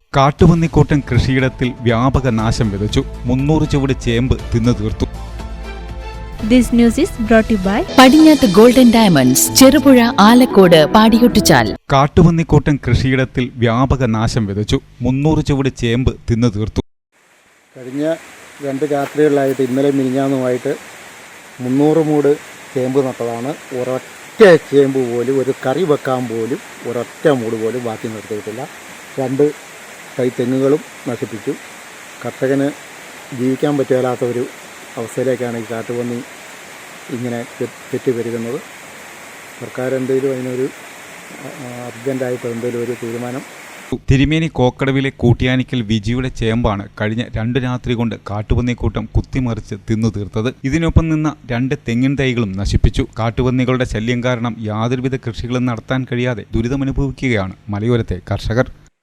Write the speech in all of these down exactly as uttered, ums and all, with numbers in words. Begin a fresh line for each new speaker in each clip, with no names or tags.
കാട്ടുപന്നിക്കൂട്ടം കൃഷിയിടത്തിൽ വ്യാപക നാശം വിതച്ചു. മുന്നൂറ് ചുവട് ചേമ്പ് തിന്നു തീർത്തു.
This news is brought to you by
Padinjath golden diamonds, Cherupuzha, Alakode, Padiyottuchal.
കാട്ടുപന്നിക്കൂട്ടം കൃഷിയിടത്തിൽ വ്യാപക നാശം വിതച്ചു. മുന്നൂറ് ചുവട് ചേമ്പ് തിന്നു തീർത്തു.
കഴിഞ്ഞ രണ്ട് രാത്രികളിലായിട്ട് ഇന്നലെ മിനിഞ്ഞാന്നുമായിട്ട് മുന്നൂറ് മൂട് ചേമ്പ് നട്ടതാണ്. ഒരൊറ്റ ചേമ്പ് പോലും, ഒരു കറി വെക്കാൻ പോലും ഒരൊറ്റ മൂട് പോലും ബാക്കി നിർത്തിയിട്ടില്ല. രണ്ട് തൈ തെങ്ങുകളും നശിപ്പിച്ചു. കർഷകന് ജീവിക്കാൻ പറ്റാത്ത ഒരു അവസ്ഥയിലേക്കാണ് ഈ കാട്ടുപന്നി ഇങ്ങനെ തെറ്റി പെരുകുന്നത്. സർക്കാർ എന്തെങ്കിലും അതിനൊരു അർജൻറ്റായിട്ട് എന്തെങ്കിലും ഒരു തീരുമാനം.
തിരുമേനി കോക്കടവിലെ കൂട്ടിയാനിക്കൽ വിജിയുടെ ചേമ്പാണ് കഴിഞ്ഞ രണ്ട് രാത്രി കൊണ്ട് കാട്ടുപന്നിക്കൂട്ടം കുത്തിമറിച്ച് തിന്നു തീർത്തത്. ഇതിനൊപ്പം നിന്ന രണ്ട് തെങ്ങിൻ തൈകളും നശിപ്പിച്ചു. കാട്ടുപന്നികളുടെ ശല്യം കാരണം യാതൊരുവിധ കൃഷികളും നടത്താൻ കഴിയാതെ ദുരിതമനുഭവിക്കുകയാണ് മലയോരത്തെ കർഷകർ.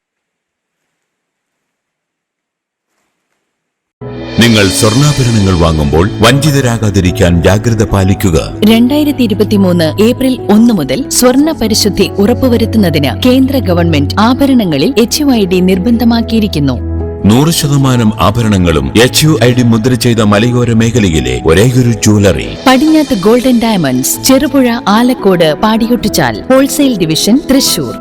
നിങ്ങൾ സ്വർണ്ണാഭരണങ്ങൾ വാങ്ങുമ്പോൾ വഞ്ചിതരാകാതിരിക്കാൻ ജാഗ്രത പാലിക്കുക.
രണ്ടായിരത്തി ഇരുപത്തിമൂന്ന് ഏപ്രിൽ ഒന്ന് മുതൽ സ്വർണ്ണ പരിശുദ്ധി ഉറപ്പുവരുത്തുന്നതിന് കേന്ദ്ര ഗവൺമെന്റ് ആഭരണങ്ങളിൽ എച്ച് യു ഐ ഡി നിർബന്ധമാക്കിയിരിക്കുന്നു.
നൂറ് ശതമാനം ആഭരണങ്ങളും എച്ച് യു ഐ ഡി മുദ്ര ചെയ്ത മലയോര മേഖലയിലെ ഒരേയൊരു jewellery
Padinjath golden diamonds, Cherupuzha, Alakode, Padiyottuchal. Wholesale division, Thrissur.